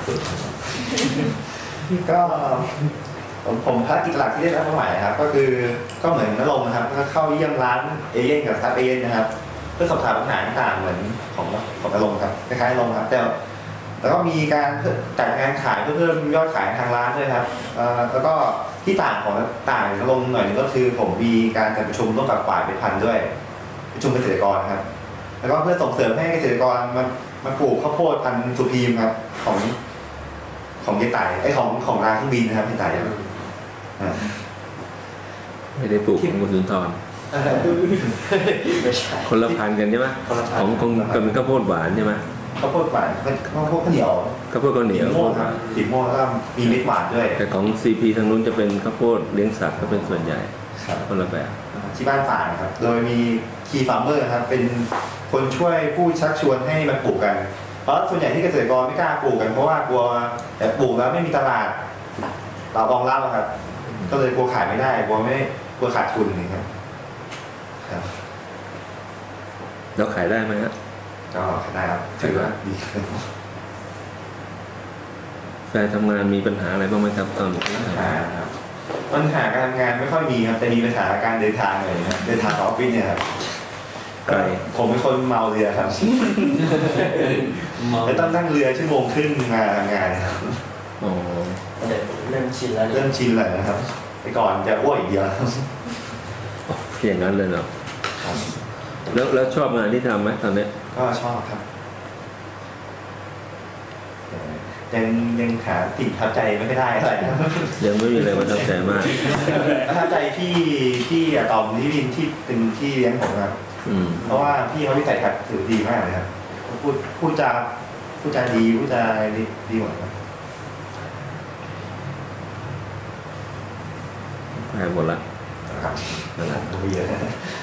ก็ผมภารกิจหลักที่ได้รับมอบหมายครับก็คือก็เหมือนนรงค์นะครับก็เข้าเยี่ยมร้านเอเย่นกับซับเอเย่นนะครับเพื่อสอบถามปัญหาต่างๆเหมือนของนรงค์ครับคล้ายๆนรงค์ครับแต่แล้วก็มีการจัดงานขายเพื่อเพิ่มยอดขายทางร้านด้วยครับแล้วก็ที่ต่างของต่างนรงค์หน่อยนึงก็คือผมมีการจัดประชุมร่วมกับฝ่ายผลิตภัณฑ์ด้วยประชุมเกษตรกรครับแล้วก็เพื่อส่งเสริมให้เกษตรกรมาปลูกข้าวโพดพันธุ์สุพีมครับของเยไต่ของร้านเครื่องบินนะครับเยไต่ไม่ได้ปลูกของคุณสุนทรคนละพันกันใช่ไหมของข้าวโพดหวานใช่ไหมข้าวโพดหวานข้าวโพดข้าวเหนียวข้าวโพดข้าวเหนียวครับสีม่วงแล้วก็มีเม็ดหวานด้วยแต่ของ CP ทางนู้นจะเป็นข้าวโพดเลี้ยงสัตว์ก็เป็นส่วนใหญ่คนละแบบที่บ้านฝางครับโดยมีคีฟาร์มเมอร์ครับเป็นคนช่วยผู้ชักชวนให้มาปลูกกันเพราะส่วนใหญ่ที่เกษตรกรไม่กล้าปลูกกันเพราะว่ากลัวแต่ปลูกแล้วไม่มีตลาดเรารองรับครับก็เลยกลัวขายไม่ได้กลัวขาดทุนนี่ครับเราขายได้ไหมฮะก็ขายได้ครับถือว่าดีแฟนทำงานมีปัญหาอะไรบ้างไหมครับตอนนี้ปัญหาการทำงานไม่ค่อยมีครับแต่มีปัญหาการเดินทางเลยนะเดินทางออฟฟิศเนี่ยครับไกลผมเป็นคนเมาเรือครับแล้วต้องนั่งเรือชั่วโมงครึ่งมาทำงานครับอ๋อเริ่มชินแล้วนะครับไปก่อนจะอ้วกอีกเดียวอย่างนั้นเลยเนาะแล้วชอบงานที่ทำไหมตอนนี้ก็ชอบครับยังหาสิ่งทับใจไม่ได้อะไรยังไม่มีอะไรประทับใจมากประทับใจที่อะตอมที่ดินที่เป็นที่เลี้ยงผมครับเพราะว่าพี่เขาวิสัยทัศน์ถือดีมากเลยครับพูดจาดีพูดจาดีหมดครับหมดละครับนั่นแหละเยอะ